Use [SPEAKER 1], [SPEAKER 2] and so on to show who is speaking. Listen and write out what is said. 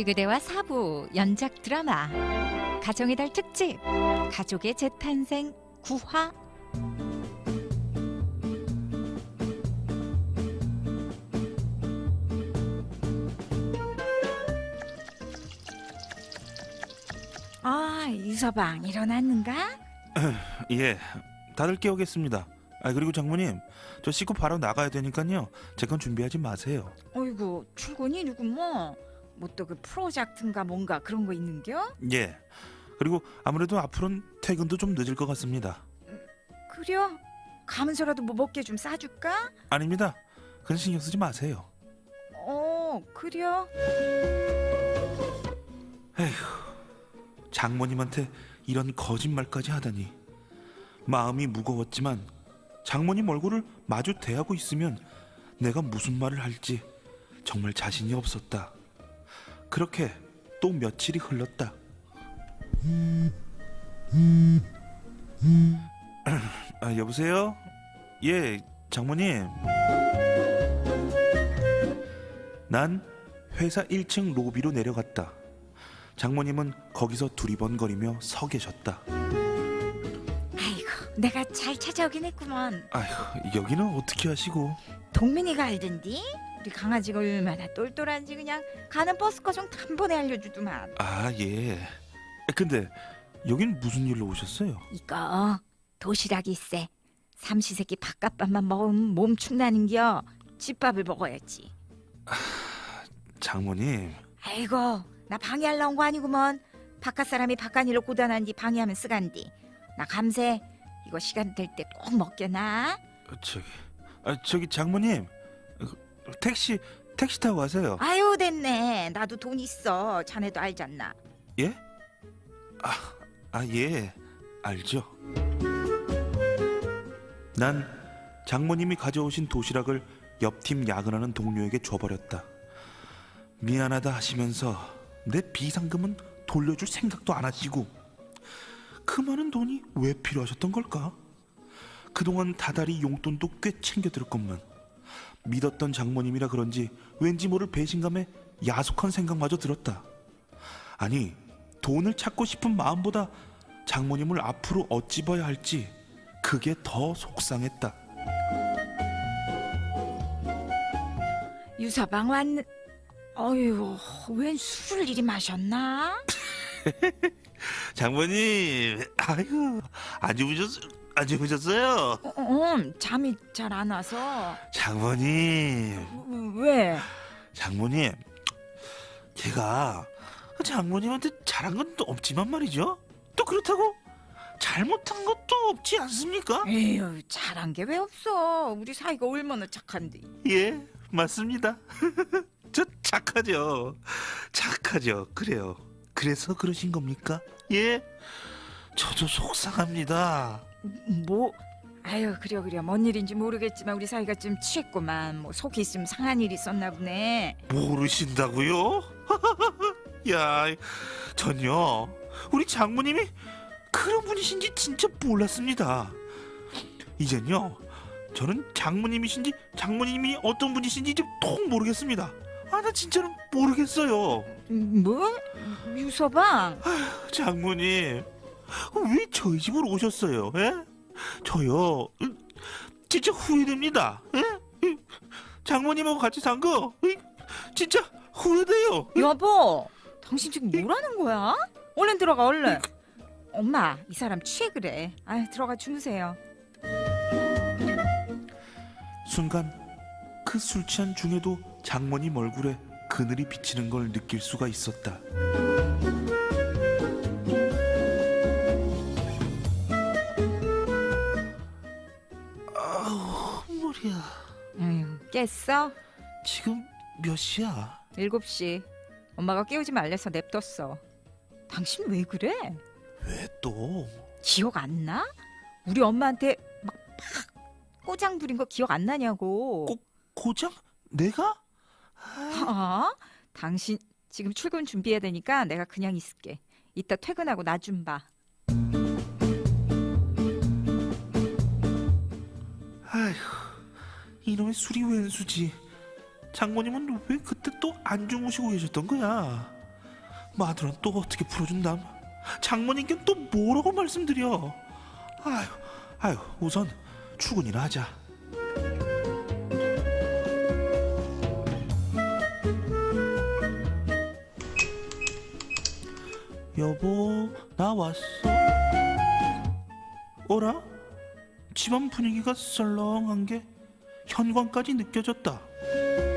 [SPEAKER 1] 그대와 사부 연작 드라마 가정의 달 특집 가족의 재탄생 9화. 유서방 일어났는가?
[SPEAKER 2] 예, 다들 깨우겠습니다. 그리고 장모님, 저 씻고 바로 나가야 되니까요. 제 건 준비하지 마세요.
[SPEAKER 1] 어이구, 출근이 누구 뭐 또 그 프로젝트인가 뭔가 그런 거 있는겨?
[SPEAKER 2] 예, 그리고 아무래도 앞으로는 퇴근도 좀 늦을 것 같습니다.
[SPEAKER 1] 그려? 가면서라도 뭐 먹게 좀 싸줄까?
[SPEAKER 2] 아닙니다. 그건 신경 쓰지 마세요.
[SPEAKER 1] 그려?
[SPEAKER 2] 장모님한테 이런 거짓말까지 하다니. 마음이 무거웠지만 장모님 얼굴을 마주 대하고 있으면 내가 무슨 말을 할지 정말 자신이 없었다. 그렇게 또 며칠이 흘렀다. 여보세요? 예, 장모님. 난 회사 1층 로비로 내려갔다. 장모님은 거기서 두리번거리며 서 계셨다.
[SPEAKER 1] 아이고, 내가 잘 찾아오긴 했구먼.
[SPEAKER 2] 아휴, 여기는 어떻게 하시고?
[SPEAKER 1] 동민이가 알던디? 우리 강아지가 얼마나 똘똘한지 그냥 가는 버스 과정 단번에 알려주더만.
[SPEAKER 2] 예. 근데 여긴 무슨 일로 오셨어요?
[SPEAKER 1] 이거 도시락이 있어. 삼시세끼 바깥밥만 먹으면 몸 축나는겨. 집밥을 먹어야지.
[SPEAKER 2] 장모님.
[SPEAKER 1] 아이고, 나 방해하려 온 거 아니구먼. 바깥 사람이 바깥일로 고단한디 방해하면 쓰간디. 나 감세 이거 시간 될 때 꼭 먹게나.
[SPEAKER 2] 저기 장모님, 택시 타고 가세요.
[SPEAKER 1] 아유, 됐네. 나도 돈 있어. 자네도 알잖나.
[SPEAKER 2] 예? 예, 알죠. 난 장모님이 가져오신 도시락을 옆팀 야근하는 동료에게 줘버렸다. 미안하다 하시면서 내 비상금은 돌려줄 생각도 안 하시고, 그 많은 돈이 왜 필요하셨던 걸까? 그동안 다달이 용돈도 꽤 챙겨들었건만 믿었던 장모님이라 그런지 왠지 모를 배신감에 야속한 생각마저 들었다. 아니, 돈을 찾고 싶은 마음보다 장모님을 앞으로 어찌 봐야 할지 그게 더 속상했다.
[SPEAKER 1] 유서방 왔는. 어휴, 웬 술을 이리 마셨나?
[SPEAKER 2] 장모님, 아이고, 안 주무셨어요?
[SPEAKER 1] 잠이 잘 안 와서.
[SPEAKER 2] 장모님.
[SPEAKER 1] 왜?
[SPEAKER 2] 장모님, 제가 장모님한테 잘한 건 또 없지만 말이죠. 또 그렇다고 잘못한 것도 없지 않습니까?
[SPEAKER 1] 에휴, 잘한 게 왜 없어. 우리 사이가 얼마나 착한데.
[SPEAKER 2] 예, 맞습니다. 저 착하죠. 그래요. 그래서 그러신 겁니까? 예, 저도 속상합니다.
[SPEAKER 1] 뭐? 아유, 그래. 뭔 일인지 모르겠지만 우리 사이가 좀 취했구만. 뭐 속이 있으면 상한 일이 있었나 보네.
[SPEAKER 2] 모르신다고요? 야, 전요 우리 장모님이 그런 분이신지 진짜 몰랐습니다. 이젠요 저는 장모님이 어떤 분이신지 좀 통 모르겠습니다. 나 진짜로 모르겠어요.
[SPEAKER 1] 뭐? 유서방?
[SPEAKER 2] 장모님, 왜 저희 집으로 오셨어요? 예? 저요 진짜 후회됩니다. 예? 장모님하고 같이 산 거 진짜 후회돼요.
[SPEAKER 1] 여보, 당신 지금 뭐라는 거야? 얼른 들어가, 얼른. 엄마, 이 사람 취해 그래. 들어가 주무세요.
[SPEAKER 2] 순간 그 술 취한 중에도 장모님 얼굴에 그늘이 비치는 걸 느낄 수가 있었다. 아우, 머리야.
[SPEAKER 1] 깼어?
[SPEAKER 2] 지금 몇 시야?
[SPEAKER 1] 7시. 엄마가 깨우지 말래서 냅뒀어. 당신 왜 그래?
[SPEAKER 2] 왜 또?
[SPEAKER 1] 기억 안 나? 우리 엄마한테 막 꼬장 부린 거 기억 안 나냐고.
[SPEAKER 2] 고장? 내가?
[SPEAKER 1] 당신 지금 출근 준비해야 되니까 내가 그냥 있을게. 이따 퇴근하고 나 좀 봐.
[SPEAKER 2] 아휴, 이놈의 술이 웬수지. 장모님은 왜 그때 또 안 주무시고 계셨던 거야? 마누라 또 어떻게 풀어준담? 장모님께 또 뭐라고 말씀드려? 아유, 우선 출근이나 하자. 여보, 나 왔어. 어라? 집안 분위기가 썰렁한 게 현관까지 느껴졌다.